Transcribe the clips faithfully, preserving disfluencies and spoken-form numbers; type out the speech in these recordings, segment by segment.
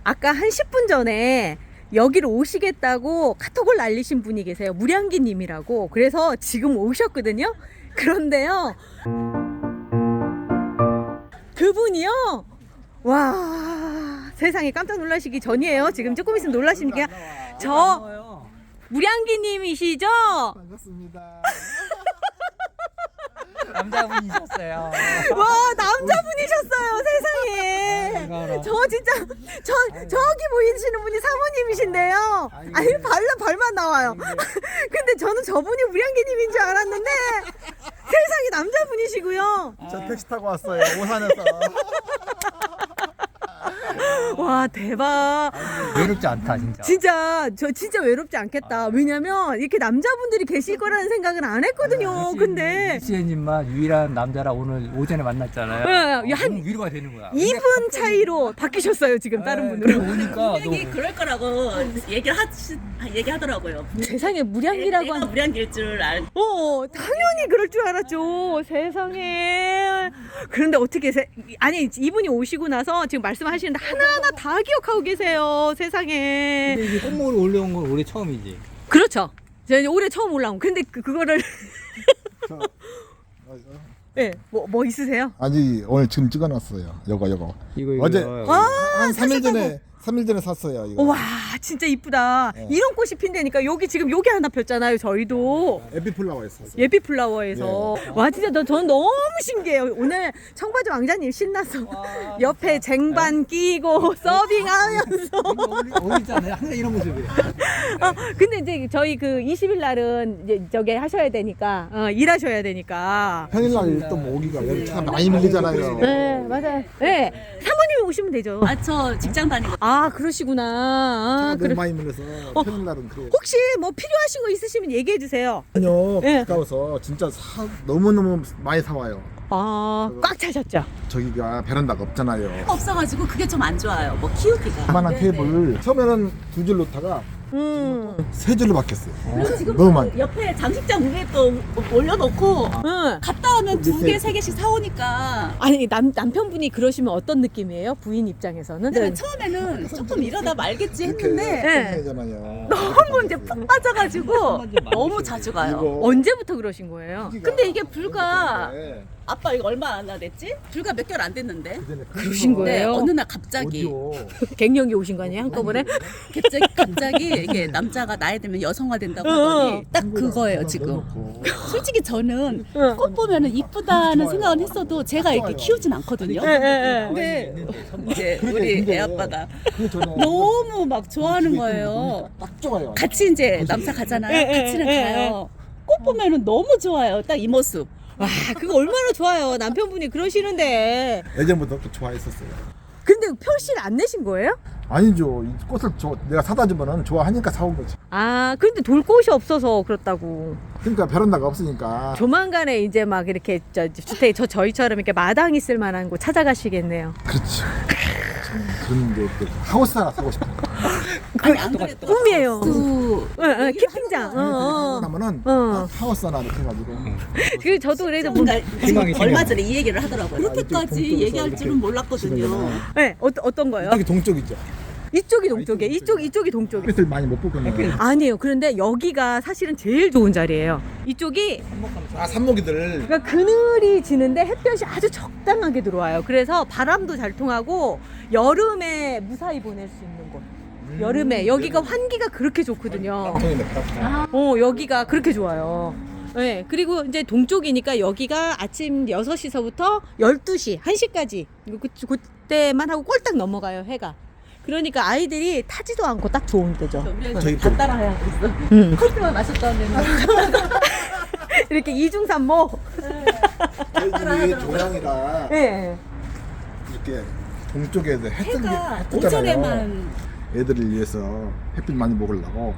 아까 한 십 분 전에 여기로 오시겠다고 카톡을 날리신 분이 계세요. 무량기 님이라고. 그래서 지금 오셨거든요. 그런데요, 그분이요, 와, 세상에 깜짝 놀라시기 전이에요. 지금 조금 있으면 놀라시니까. 저 무량기 님이시죠? 반갑습니다. 남자분이셨어요. 와, 남자분이셨어요. 세상에. 저 진짜 저 저기 보이시는 분이 사모님이신데요. 아니, 발라 발만 나와요. 근데 저는 저분이 무량기님인 줄 알았는데 세상에 남자분이시고요. 저 택시 타고 왔어요. 오산에서. 와, 대박. 외롭지 않다 진짜. 진짜 저 진짜 외롭지 않겠다. 왜냐면 이렇게 남자분들이 계실 거라는 생각은 안 했거든요. 근데 시애님만 유일한 남자라 오늘 오전에 만났잖아요. 네, 어, 한 너무 위로가 되는 거야. 이 분 차이로 바뀌셨어요. 지금 다른 분으로. 오니까 분명히 그럴 거라고 얘기를 하, 얘기하더라고요. 세상에 무량기라고 내가 한. 무량길 줄 알. 어, 당연히 그럴 줄 알았죠. 세상에. 그런데 어떻게 세, 아니, 이분이 오시고 나서 지금 말씀하시는데 하나하나 다 기억하고 계세요. 세상에. 근데 이게 꽃모를 올려온 건 올해 처음이지. 그렇죠. 제가 이제 올해 처음 올라온. 근데 그, 그거를 저, 어, 예, 뭐, 뭐 있으세요? 아니 오늘 지금 찍어놨어요. 요거 요거. 이거 이거. 어제 아, 한 삼 일 사셨다고. 전에 삼 일 전에 샀어요. 이거. 와, 진짜 이쁘다. 네. 이런 꽃이 핀다니까. 여기 지금 여기 하나 폈잖아요. 저희도. 에피플라워였어요. 예비 플라워에서. 네. 와, 진짜 너, 저는 너무 신기해요. 오늘 청바지 왕자님 신나서 옆에 쟁반 끼고 서빙하면서. 어울리잖아요. 항상 이런 모습이에요. 어, 근데 이제 저희 그 이십 일 날은 이제 저기 하셔야 되니까, 어, 일하셔야 되니까. 평일날 또 뭐 오기가 여기 차 많이 밀리잖아요. 네, 맞아요. 네, 사모님이 오시면 되죠. 아, 저 직장 다니고. 아, 그러시구나. 아, 차가 그래. 너무 많이 밀려서 평일날은 그래요. 혹시 뭐 필요하신 거 있으시면 얘기해 주세요. 아니요, 네. 가까워서 진짜 사, 너무너무 많이 사와요. 아, 꽉 차셨죠? 저기가 베란다가 없잖아요. 없어가지고 그게 좀 안 좋아요. 뭐 키우기가. 그만한 테이블 처음에는 두 줄 놓다가 음. 세 줄로 바뀌었어요. 그리고 지금 너무 많이. 옆에 장식장 위에 또 올려놓고 응. 갔다 오면 두 밑에 개, 세 개씩 사오니까. 아니, 남, 남편분이 그러시면 어떤 느낌이에요? 부인 입장에서는? 근데 처음에는 조금 이러다 말겠지 이렇게 했는데 네. 잖아요. 너무 이제 푹 빠져가지고 너무 자주 가요. 이거 언제부터 그러신 거예요? 근데 이게 불과 네. 아빠 이거 얼마나 됐지? 불과 몇 개월 안 됐는데. 그전에 그러신 네, 거예요? 어느 날 갑자기 어디요? 갱년기 오신 거 아니에요? 한꺼번에? 갑자기 갑자기 이게 남자가 나이 들면 여성화 된다고 하더니 딱 그거예요 지금. 넣어놓고. 솔직히 저는 응. 꽃 보면은 이쁘다는 생각은 했어도 제가 이렇게 키우진 않거든요. 예, 예, 예. 근데 이제 그러게, 우리 근데 애 아빠가 그 전에 너무 막 좋아하는 거예요. 딱 좋아요. 같이 이제 남사 가잖아요. 예, 예, 같이는 예, 가요. 꽃 보면은 너무 좋아요. 딱 이 모습. 와, 그거 얼마나 좋아요. 남편분이 그러시는데. 예전부터 또 좋아했었어요. 근데 표시를 안 내신 거예요? 아니죠. 이 꽃을 저, 내가 사다 주면은 좋아하니까 사온 거지. 아, 근데 돌꽃이 없어서 그렇다고. 그러니까 베란다가 없으니까. 조만간에 이제 막 이렇게 저 주택 저 저희처럼 이렇게 마당 있을 만한 곳 찾아가시겠네요. 그렇지. 그런 게 또 하우스 하나 사고 싶어. 아니 안 그래도 꿈이에요. 그 응, 응, 캠핑장. 어, 하고 어. 나면은 어. 하우스 하나 이렇게 해가지고. 그 저도 그래도 뭐, 뭔가 희망이 얼마 생겨요. 전에 이 얘기를 하더라고요. 그렇게까지 동쪽에서 얘기할 이렇게 줄은 몰랐거든요. 집에다가. 네, 어, 어떤 거요? 여기 동쪽이죠. 이쪽이 동쪽에, 이쪽 이쪽이 동쪽에. 햇빛을 많이 못 보거든요. 아니에요. 그런데 여기가 사실은 제일 좋은 자리예요. 이쪽이 아 산모기들. 그러니까 그늘이 지는데 햇볕이 아주 적당하게 들어와요. 그래서 바람도 잘 통하고 여름에 무사히 보낼 수 있는 곳. 여름에 여기가 환기가 그렇게 좋거든요. 방송이네. 어, 여기가 그렇게 좋아요. 네, 그리고 이제 동쪽이니까 여기가 아침 여섯 시서부터 열두 시, 한 시까지 그, 그때만 하고 꼴딱 넘어가요, 해가. 그러니까 아이들이 타지도 않고 딱 좋은 데죠. 우리 저기 다 따라해야 되겠어. 음. 커피만 마셨다는 이렇게 이중삼모. 저희 집이 동양이라 네. 이렇게 동쪽에 해 뜨는 해가 해 뜨잖아요. 오전에만 애들을 위해서 햇빛 많이 먹으려고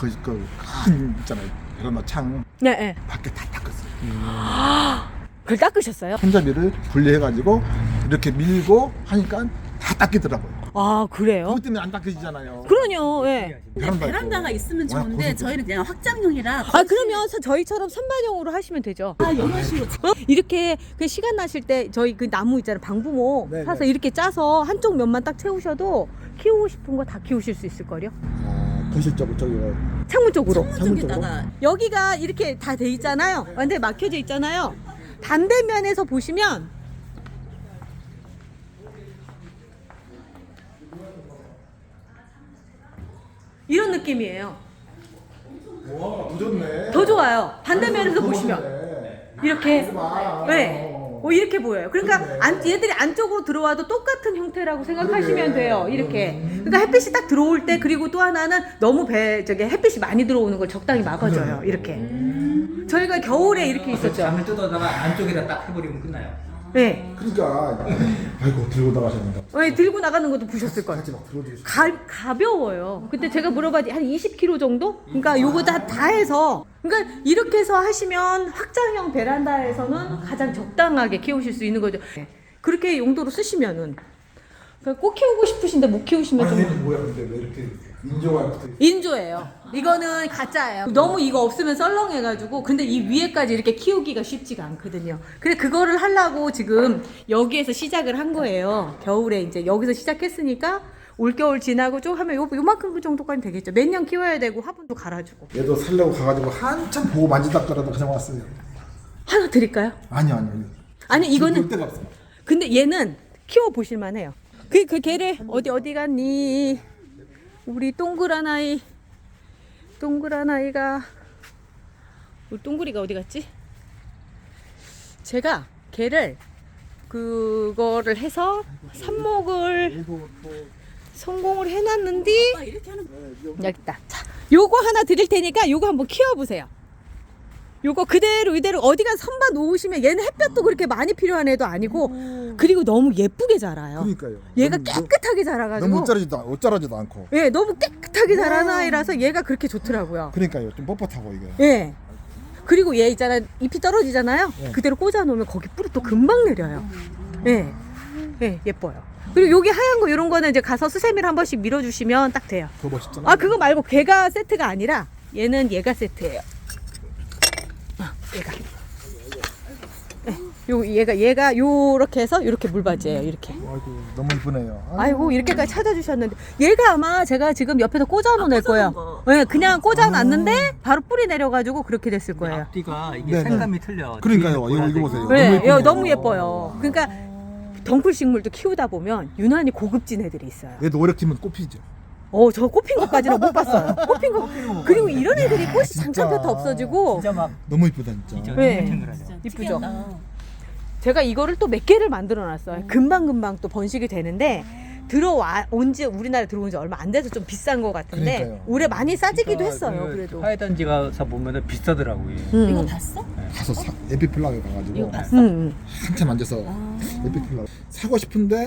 그그큰 있잖아요. 베란다 창 네, 네. 밖에 다 닦았어요. 그걸 닦으셨어요? 손잡이를 분리해가지고 이렇게 밀고 하니까 다 닦이더라고요. 아, 그래요? 그것 때문에 안 닦여지잖아요. 그러요, 예. 베란다 베란다가 있고. 있으면 워낙 좋은데 고수도. 저희는 그냥 확장형이라 아, 그러면 서- 저희처럼 선반영으로 하시면 되죠. 아 이런 식으로 어? 이렇게 그 시간 나실 때 저희 그 나무 있잖아요. 방부모 네, 사서 네. 이렇게 짜서 한쪽 면만 딱 채우셔도 키우고 싶은 거 다 키우실 수 있을걸요? 아, 거실 쪽 저기가 창문 쪽으로. 창문 쪽에다가 여기가 이렇게 다 돼 있잖아요. 완전히 막혀져 있잖아요. 반대면에서 보시면 이런 느낌이에요. 와, 더 좋네. 더 좋아요. 반대면에서 보시면 이렇게 아, 네. 어, 이렇게 보여요. 그러니까 안, 얘들이 안쪽으로 들어와도 똑같은 형태라고 생각하시면 돼요. 이렇게. 그러니까 햇빛이 딱 들어올 때, 그리고 또 하나는 너무 배 저기 햇빛이 많이 들어오는 걸 적당히 막아줘요. 이렇게. 저희가 겨울에 이렇게 있었죠. 잠을 뜯어다가 안쪽에다 딱 해버리면 끝나요. 네. 그러니까 아이고 들고 나가셨는다. 네, 들고 나가는 것도 보셨을 거예요. 같이 막 들어주시. 가, 가벼워요. 그때 제가 물어봤더니 한 이십 킬로그램 정도? 그러니까 요거 다, 다 해서. 그러니까 이렇게 해서 하시면 확장형 베란다에서는 가장 적당하게 키우실 수 있는 거죠. 네. 그렇게 용도로 쓰시면은. 그러니까 꼭 키우고 싶으신데 못 키우시면 좀. 얘는 뭐야 근데 왜 이렇게 인조가 붙어 있어? 인조예요. 이거는 가짜예요. 너무 이거 없으면 썰렁해가지고. 근데 이 위에까지 이렇게 키우기가 쉽지가 않거든요. 그래 그거를 하려고 지금 여기에서 시작을 한 거예요. 겨울에 이제 여기서 시작했으니까 올겨울 지나고 좀 하면 요, 요만큼 정도까지 되겠죠. 몇 년 키워야 되고 화분도 갈아주고. 얘도 살려고 가가지고 한참 보고 만지다가라도 그냥 왔어요. 하나 드릴까요? 아니요 아니요. 아니 이거는 볼 데가 없어. 근데 얘는 키워 보실만 해요. 그, 그 걔를 어디 어디 갔니? 우리 동그란 아이. 동그란 아이가 우리 동그리가 어디 갔지? 제가 걔를 그거를 해서 삽목을 성공을 해놨는데 아, 이렇게 하는 여기 있다. 자, 요거 하나 드릴 테니까 요거 한번 키워보세요. 요거 그대로 이대로 어디가 선반 놓으시면 얘는 햇볕도 그렇게 많이 필요한 애도 아니고 그리고 너무 예쁘게 자라요. 그러니까요. 얘가 너무- 깨끗하게 자라가지고 너무 옷자라지도 옷 자라지도 않고. 예, 너무 깨끗하게 자라는 아이라서 얘가 그렇게 좋더라고요. 그러니까요. 좀 뻣뻣하고 이게. 예. 그리고 얘 있잖아 잎이 떨어지잖아요. 예. 그대로 꽂아 놓으면 거기 뿌리 또 금방 내려요. 예, 예, 예뻐요. 그리고 여기 하얀 거 이런 거는 이제 가서 수세미를 한 번씩 밀어주시면 딱 돼요. 그거 멋있잖아. 아 그거 말고 걔가 세트가 아니라 얘는 얘가 세트예요. 아, 얘가. 네, 요 얘가 얘가 요렇게 해서 요렇게 물받이에요. 이렇게. 아이고 너무 이쁘네요. 아이고 이렇게까지 찾아주셨는데 얘가 아마 제가 지금 옆에서 꽂아놓은 아, 애 거예요. 꽂아놓은 네, 그냥 꽂아놨는데 바로 뿌리 내려가지고 그렇게 됐을 거예요. 앞뒤가 이게 네네. 색감이 틀려. 그러니까요. 뒤에 이거- 이거 보라색이. 보세요. 네, 너무 예쁘네요. 얘 너무 예뻐요. 그러니까 덩쿨 식물도 키우다 보면 유난히 고급진 애들이 있어요. 얘도 오래 키면 꽃피죠. 어, 저 꽃핀 것까지는 못 봤어요. 꽃핀 거. 그리고 이런 애들이 꽃이 진짜. 잠깐부터 없어지고 진짜 막 너무 이쁘다 진짜. 진짜 네. 탱글탱글하죠. 이쁘죠. 특이하다. 제가 이거를 또 몇 개를 만들어 놨어요. 금방금방 또 번식이 되는데 들어와 온지 우리나라에 들어온 지 얼마 안 돼서 좀 비싼 것 같은데 그러니까요. 올해 많이 싸지기도 그러니까 했어요. 그 그래도. 화훼단지 가서 보면은 비싸더라고요. 음. 이거 봤어? 가서 사, 에피플라그 가가지고 이거 봤어? 음. 한참 앉아서 에피플라그 사고 싶은데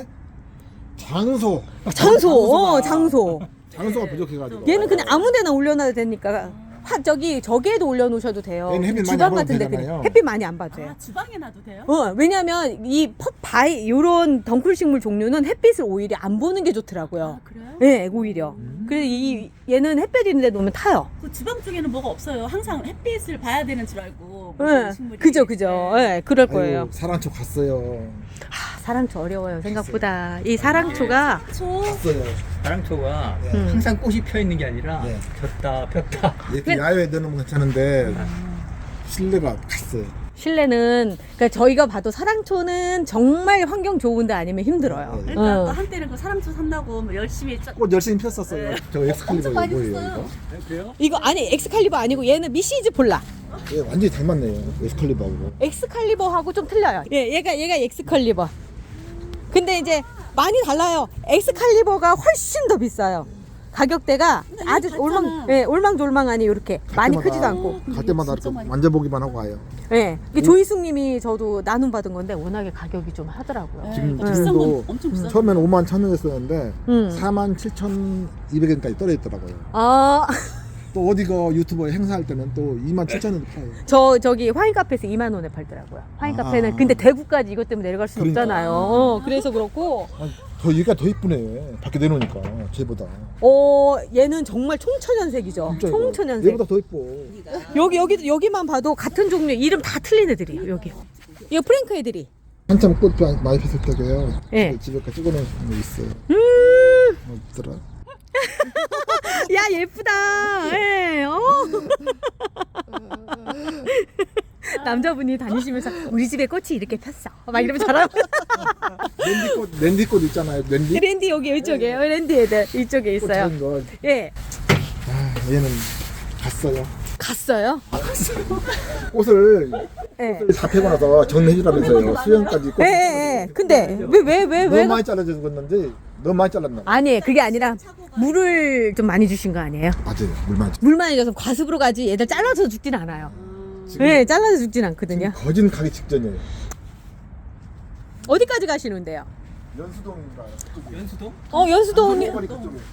장소 장소, 어, 장소가- 장소. 장소가 부족해가지고 얘는 그냥 아무데나 올려놔도 되니까 화 저기 저기에도 올려놓으셔도 돼요. 얘는 햇빛 많이 주방 안 봐도 같은데 되잖아요. 그냥 햇빛 많이 안 봐도 돼요. 아, 주방에 놔도 돼요? 어, 왜냐면 이 펍바이 요런 덩쿨 식물 종류는 햇빛을 오히려 안 보는 게 좋더라고요. 아, 그래요? 네, 오히려. 그래서 이 얘는 햇볕 있는 데 놓으면 타요. 그 주방 쪽에는 뭐가 없어요. 항상 햇빛을 봐야 되는 줄 알고. 네, 모든 식물이. 그죠, 그죠. 네. 네, 그럴 거예요. 아이고, 사랑초 갔어요. 아, 사랑초 어려워요, 생각보다. 이 사랑초가 초. 갔어요. 사랑초가 네. 음. 항상 꽃이 펴 있는 게 아니라 네. 졌다 폈다. 이렇게 야외에 넣으면 괜찮은데 실내가 갔어요. 실내는 그러니까 저희가 봐도 사랑초는 정말 환경 좋은데 아니면 힘들어요. 네. 그러니까 어. 또 한때는 그 사랑초 산다고 뭐 열심히 짜- 꽃 열심히 폈었어요. 네. 저 엑스칼리버 엄청 많이 뭐예요 폈어요. 이거? 그래요? 이거 아니 엑스칼리버 아니고 얘는 미시즈 폴라. 얘 완전히 닮았네요. 엑스칼리버하고. 엑스칼리버하고 좀 틀려요. 예, 얘가 얘가 엑스칼리버. 근데 이제 많이 달라요. 엑스칼리버가 훨씬 더 비싸요. 가격대가 근데 아주 이거 올망, 봤잖아. 예, 올망졸망하니 이렇게 많이 갈 크지도 때마다- 않고. 갈 때마다 진짜 이렇게 많이 만져보기만 하고 가요. 예, 이게 조이숙님이 저도 나눔 받은 건데 워낙에 가격이 좀 하더라고요. 네, 지금- 그러니까 비싼 건 지금도 엄청 비싸. 처음에는 오만 천 원이었었는데 음. 사만 칠천이백 원까지 떨어졌더라고요. 아, 또 어디가 유튜버 행사할 때는 또 이만 칠천 원 팔아요. 저 저기 와인 카페에서 이만 원에 팔더라고요. 와인 아. 카페는 근데 대구까지 이것 때문에 내려갈 수는 그러니까. 없잖아요. 어, 그래서 그렇고 아니, 더 얘가 더 이쁘네. 밖에 내놓으니까 쟤보다. 어 얘는 정말 총천연색이죠. 진짜 이거. 총천연색. 얘보다 더 이뻐. 여기 여기 여기만 봐도 같은 종류 이름 다 틀린 애들이에요. 여기. 이거 프랭크 애들이. 한참 꽃 많이 폈을 때고요. 예. 집에까지 찍어놓은 거 있어요. 음. 어더라? 야 예쁘다. 예. 어. 남자분이 다니시면서 우리 집에 꽃이 이렇게 폈어. 막 이러면 잘하고. 랜디꽃 랜디꽃 있잖아요. 랜디. 랜디 여기 이쪽에 랜디 애들 이쪽에 있어요. 꽃 거. 예. 아, 얘는 갔어요. 갔어요? 꽃을 예. 다 패고 나서 정리해주라면서요. 수영까지 꽃. 예, 예, 예. 근데 왜 왜 왜 왜? 너무 많이 잘라준 건지 너무 많이 잘랐나 봐. 아니 그게 아니라 물을 좀 많이 주신 거 아니에요? 맞아요. 물 많이. 물 많이 줘서 과습으로 가지 얘들 잘라서 죽진 않아요. 지금, 예, 잘라서 죽진 않거든요. 지금 거진 가기 직전이에요. 어디까지 가시는데요? 연수동인가? 연수동? 어 연수동 그쪽에.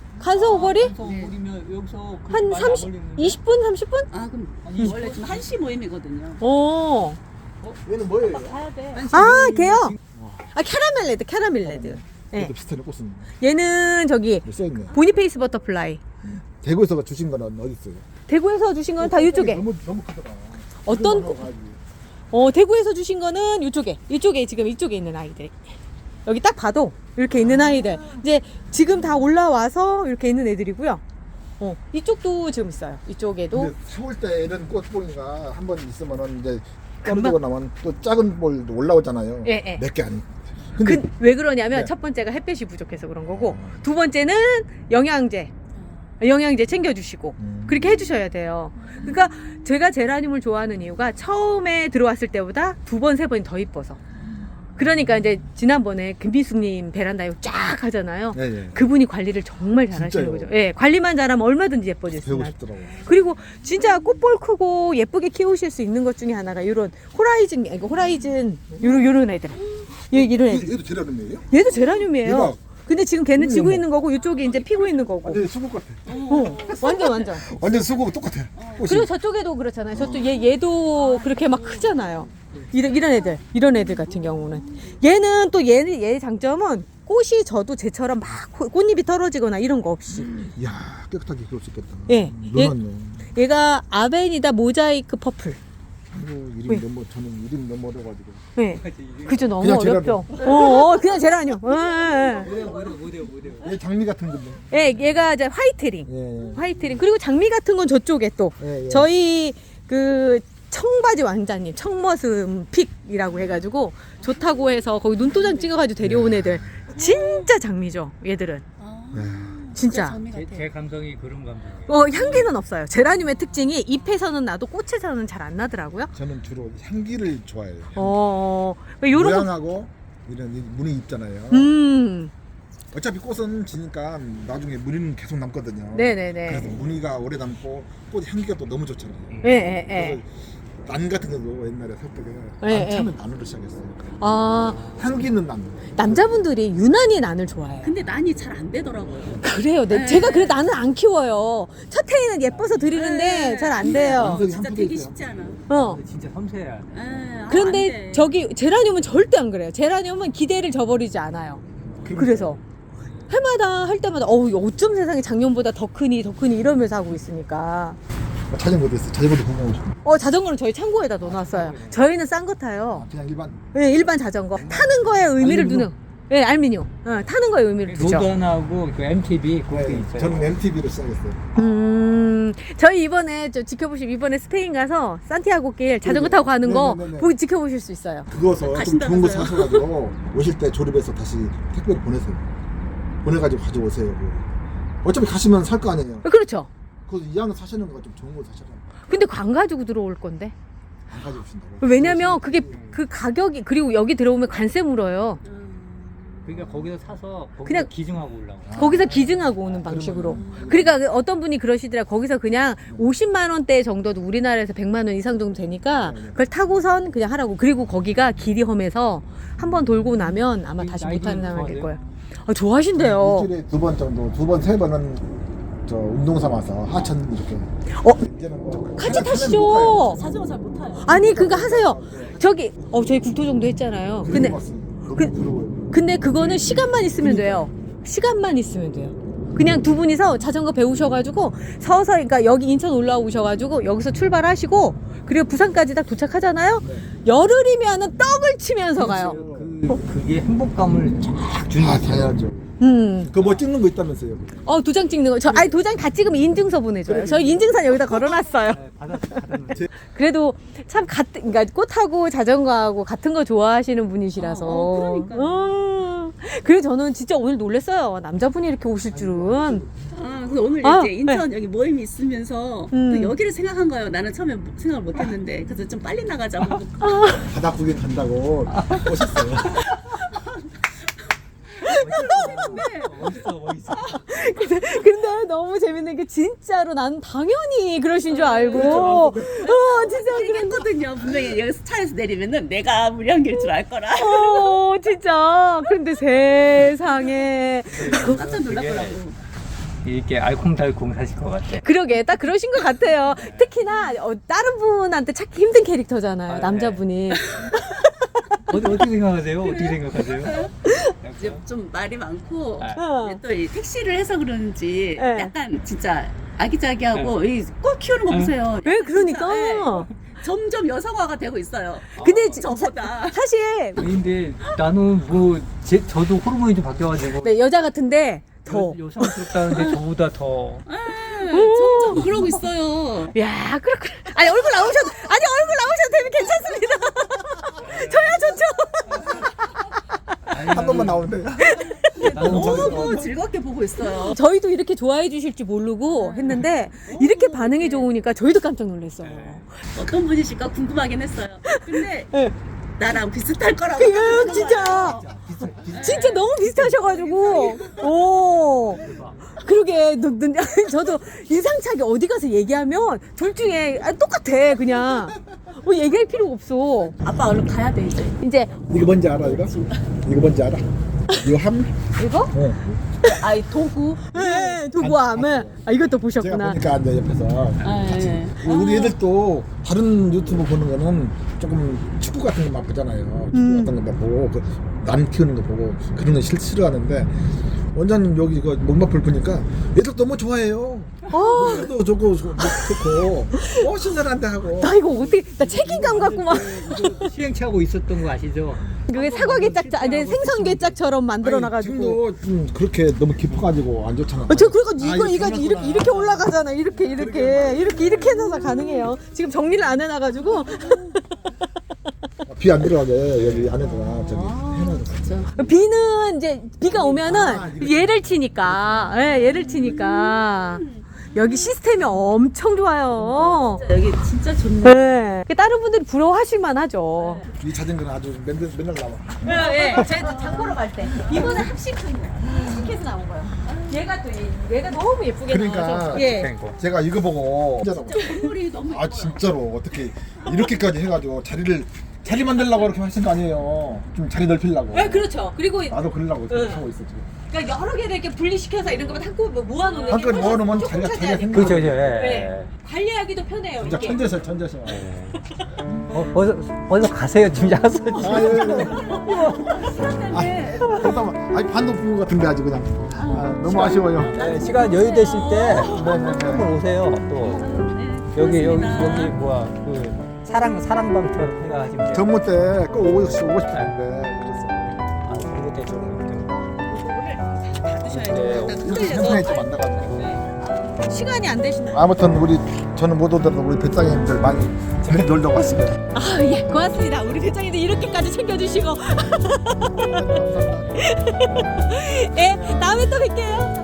간서 오거리? 우리면 여기서 그 한 많이 삼십, 안 걸리는데? 이십 분, 삼십 분? 아 그럼 아니, 원래 지금 한 시 모임이거든요. 오. 얘는 뭐예요? 아, 걔요? 아, 캐러멜 레드, 캐러멜 레드. 예. 얘도 비슷하네 꽃은. 얘는 저기 써있네. 보니페이스 버터플라이. 대구에서 주신 거는 어디 있어요? 대구에서 주신 건 다 이쪽에. 너무 너무 크더라. 어떤 이거 꽃? 가야지. 어, 대구에서 주신 거는 이쪽에. 이쪽에 지금 이쪽에 있는 아이들. 여기 딱 봐도 이렇게 있는 아이들. 이제 지금 다 올라와서 이렇게 있는 애들이고요. 어, 이쪽도 지금 있어요. 이쪽에도. 근데 세월 때 이런 꽃보니가 한 번 있으면은 이제 금방- 떨어지고 나면 또 작은 볼도 올라오잖아요. 예, 예. 몇 개 아니. 근데 그, 왜 그러냐면 네. 첫 번째가 햇볕이 부족해서 그런 거고 어. 두 번째는 영양제 영양제 챙겨주시고 음. 그렇게 해주셔야 돼요. 그러니까 제가 제라늄을 좋아하는 이유가 처음에 들어왔을 때보다 두 번 세 번이 더 이뻐서. 그러니까 이제 지난번에 김비숙님 베란다에 쫙 하잖아요. 예, 예. 그분이 관리를 정말 잘하시는 진짜요? 거죠. 예, 관리만 잘하면 얼마든지 예뻐질 수 배우고 있어요. 싶더라고. 그리고 진짜 꽃볼 크고 예쁘게 키우실 수 있는 것 중에 하나가 이런 호라이즌, 이거 호라이즌 요런 요런 애들. 요- 이런 애들. 얘도 제라늄이에요? 얘도 제라늄이에요. 대박. 근데 지금 걔는 지고 어머. 있는 거고 이쪽이 이제 피고 있는 거고. 완전 수국 같아. 어, 완전 완전. 완전 수국 똑같아. 꽃이. 그리고 저쪽에도 그렇잖아요. 저쪽 얘 얘도 그렇게 막 크잖아요. 이런 이런 애들, 이런 애들 같은 경우는 얘는 또 얘는 얘의 장점은 꽃이 져도 쟤처럼 막 코- 꽃잎이 떨어지거나 이런 거 없이. 이야 깨끗하게 키울 수 있겠다. 예. 얘- 너무하네. 얘가 아베니다 모자이크 퍼플. 아이고 이름 왜? 너무 저는 이름 너무 어려가지고. 네. 그죠 너무 그냥 어렵죠. 어, 어, 그냥 제라늄. 예, 예, 뭐래요 뭐래요 뭐래요 뭐래요 얘 장미 같은 건데. 예. 예, 얘가 이제 화이트링. 예. 화이트링. 그리고 장미 같은 건 저쪽에 또 예, 예. 저희 그 청바지 왕자님 청머슴 픽이라고 해가지고 좋다고 해서 거기 눈도장 찍어가지고 데려온 애들 진짜 장미죠 얘들은 아, 예. 진짜. 장미 제, 같아. 제 감성이 그런 감성이에요. 어 향기는 없어요. 제라늄의 특징이 잎에서는 나도 꽃에서는 잘 안 나더라고요. 저는 주로 향기를 좋아해요. 어 요런 거. 모양하고 이런 이 무늬 있잖아요. 음 어차피 꽃은 지니까 나중에 무늬는 계속 남거든요. 네네네. 그래서 무늬가 오래 남고 꽃 향기가 또 너무 좋잖아요. 예예예. 그래서 난 같은 것도 옛날에 살 때가 예, 안 차면 난으로 시작했어요. 아 향기는 난. 남자분들이 유난히 난을 좋아해요. 근데 난이 잘 안 되더라고요. 그래요. 네, 네. 제가 그래 나는 안 키워요. 첫 해에는 예뻐서 드리는데 네. 잘 안 돼요. 완성이 진짜 한 되기 포기죠. 쉽지 않아. 어. 진짜 섬세해야 돼. 에, 아, 안 그런데 돼. 저기 제라늄은 절대 안 그래요. 제라늄은 기대를 저버리지 않아요. 그래서 해마다 할 때마다 어우 어쩜 세상에 작년보다 더 크니 더 크니 이러면서 하고 있으니까 어, 자전거도 있어. 자전거도 궁금하고 싶어. 어 자전거는 저희 창고에다 넣어놨어요. 저희는 싼 거 타요. 그냥 일반. 네, 일반 자전거 타는 거에 의미를 알루미늄? 두는. 예, 네, 알미늄. 어, 타는 거에 의미를 두죠. 로던하고 그 엠티비 그게 네, 있어요. 저는 엠티비로 시작했어요. 음, 저희 이번에 저 지켜보실 이번에 스페인 가서 산티아고 길 자전거 타고 가는 거 네네네네. 보기 지켜보실 수 있어요. 그거서 좀 좋은 거 가신다면서요? 사셔가지고 오실 때 조립해서 다시 택배로 보내세요. 보내가지고 가져오세요. 그거. 어차피 가시면 살 거 아니에요. 어, 그렇죠. 그래서 이왕 사시는 거 좀 좋은 거 사셔라. 근데 안 가지고 들어올 건데. 안 가져오신다고. 왜냐면 그게 그 가격이 그리고 여기 들어오면 관세 물어요. 음. 그러니까 거기서 사서 거기서 그냥- 기증하고 올라와. 거기서 기증하고 오는 방식으로. 그러니까 그 어떤 분이 그러시더라. 거기서 그냥 오십만 원대 정도도 우리나라에서 백만 원 이상 정도 되니까 그걸 타고선 그냥 하라고. 그리고 거기가 길이 험해서 한번 돌고 나면 아마 다시 나이도 못하는 상황이 될 좋아하세요? 거예요. 아, 좋아하신대요. 일주일에 두 번 정도, 두 번, 세 번은 저 운동 삼아서 하천 이렇게. 어? 이제는 뭐 같이 타면 타시죠. 못 가요. 자전거 잘 못 타요. 아니 그거 하세요. 저기 어 저희 국토정도 했잖아요. 근데 그리고 왔어요. 너무 그- 부러워요. 근데 그거는 시간만 있으면 돼요. 시간만 있으면 돼요. 그냥 두 분이서 자전거 배우셔가지고 서서 그러니까 여기 인천 올라오셔가지고 여기서 출발하시고 그리고 부산까지 딱 도착하잖아요. 네. 열흘이면은 떡을 치면서 가요. 그, 그게 행복감을 쫙 주는 아, 거죠. 당연하죠. 음. 그거 뭐 찍는 거 있다면서요? 어 도장 찍는 거. 저 아니 도장 다 찍으면 인증서 보내줘요. 저 인증서 여기다 걸어놨어요. 네, 받아 받아. 그래도 참 같은 그러니까 꽃하고 자전거하고 같은 거 좋아하시는 분이시라서. 어, 어, 그러니까요. 어. 그래서 저는 진짜 오늘 놀랐어요. 남자분이 이렇게 오실 줄은. 아, 그래서 오늘 아, 이제 인천 여기 모임이 있으면서 음. 또 여기를 생각한 거예요. 나는 처음에 생각을 못 했는데. 그래서 좀 빨리 나가자고. 바다 구경 간다고 오셨어요. 멋있어 멋있어. 근데, 근데 너무 재밌는 게 진짜로 난 당연히 그러신 줄 알고. 어 진짜 그런. 얘기했거든요. 분명히 여기서 차에서 내리면은 내가 무리한길 줄 알 거라. 어 진짜. 근데 세상에. 깜짝 놀랐더라고. 이렇게 알콩달콩 사실 것 같아. 그러게 딱 그러신 것 같아요. 특히나 어, 다른 분한테 찾기 힘든 캐릭터잖아요. 아, 네. 남자분이. 어디 어떻게 생각하세요? 어떻게 생각하세요? 이제 좀 말이 많고 아. 어. 또 이 택시를 해서 그런지 네. 약간 진짜 아기자기하고 이 꽃 키우는 거 네. 보세요. 왜 그러니까. 진짜, 예. 점점 여성화가 되고 있어요. 근데 지- 저보다. 사실 근데 나는 뭐 제, 저도 호르몬이 좀 바뀌어가지고 네, 여자 같은데 더. 여, 여성스럽다는데 저보다 더. 예, 점점 그러고 있어요. 야, 그렇구나. 아니, 얼굴 나오셔도, 아니, 얼굴 나오셔도 되면 괜찮습니다. 저야 좋죠. 한 번만 나오는데. 나는 너무 즐겁게 보고 있어요. 저희도 이렇게 좋아해 주실 줄 모르고 했는데, 이렇게 반응이 좋으니까 저희도 깜짝 놀랐어요. 어떤 분이실까 궁금하긴 했어요. 근데 네. 나랑 비슷할 거라고. 그, 생각해요. 진짜. 진짜 너무 비슷하셔가지고. 오. 그러게, 너, 너, 저도 인상차게 어디 가서 얘기하면 둘 중에 아, 똑같아, 그냥. 뭐 얘기할 필요가 없어. 아빠 얼른 가야 돼 이제. 이제, 이거 뭔지 알아 이거? 이거 뭔지 알아? 이거 함? 이거? 어. 아이 도구. 네, 도구함을. 아, 이것도 제가 보셨구나. 보니까 이제 옆에서 네. 우리 애들도 다른 유튜브 보는 거는 조금 축구 같은 거만 보잖아요. 축구 음. 같은 거만 보고 그 남 키우는 거 보고 그런 거 싫- 싫어하는데 원장님 여기 이거 목마풀 보니까 애들 너무 좋아해요. 어. 도 좋고 좋- 좋고 어 신선한데 하고. 나 이거 어떻게, 나 책임감 갖고 막. 이거 시행착오 있었던 거 아시죠? 그게 사과개짝, 아니 생선개짝처럼 만들어놔가지고. 지금도 좀 그렇게 너무 깊어가지고 안 좋잖아. 어, 저 그러니까 아, 이거 이거 끝났구나. 이렇게 이렇게 올라가잖아. 이렇게 이렇게 이렇게 이렇게 해서 가능해요. 지금 정리를 안 해놔가지고 비 안 들어가게 여기 안에다가 저기 해놔서. 비는 이제 비가 오면은 아, 이거. 얘를 치니까, 예, 얘를 치니까 여기 시스템이 엄청 좋아요. 여기 진짜 좋네. 네. 다른 분들이 부러워하실만 하죠. 이 자전거는 아주 맨날, 맨날 나와. 예, 예. 제가 장 보러 갈 때. 이거는 합식해서 나온 거예요. 얘가 또, 이- 얘가 너무 예쁘게 그러니까 나와서. 예. 된 거. 제가 이거 보고 건물이 너무 아 진짜로 어떻게 이렇게까지 해가지고 자리를 자리 만들려고 이렇게 하신 거 아니에요. 좀 자리 넓히려고. 네, 그렇죠. 그리고 나도 그러려고 이렇게 응. 하고 있어 지금. 그러니까 여러 개를 이렇게 분리시켜서 이런 거만 한꺼번에 모아놓는 한꺼번에 훨씬 모아놓으면 조금 자리가 차지하니까. 자리가 그렇죠, 그렇죠. 예. 네. 관리하기도 편해요. 진짜 이게. 천재셔 천재셔. 어, 어서 어서 가세요. 지금 야서. 아유. 아, 잠깐만. 아니 반 높은 것 같은데 아주 그냥. 아, 너무 아쉬워요. 네, 시간 여유 되실 때 한번 오세요. 또 여기 여기 여기 뭐야 그 사랑 사랑방처럼 생각하시면 돼요. 전무 때꼭 오고, 오고 싶었는데 그랬어. 아, 그거 때 좀. 받으셔야죠. 네. 이렇게 세상에 좀 만나가지고. 시간이 안 되시나? 아무튼 우리 저는 못 오더라도 우리 배짱이들 많이 재밌게 놀다 왔습니다. 아, 예, 고맙습니다. 우리 배짱이들 이렇게까지 챙겨주시고. 예, 다음에 또 뵐게요.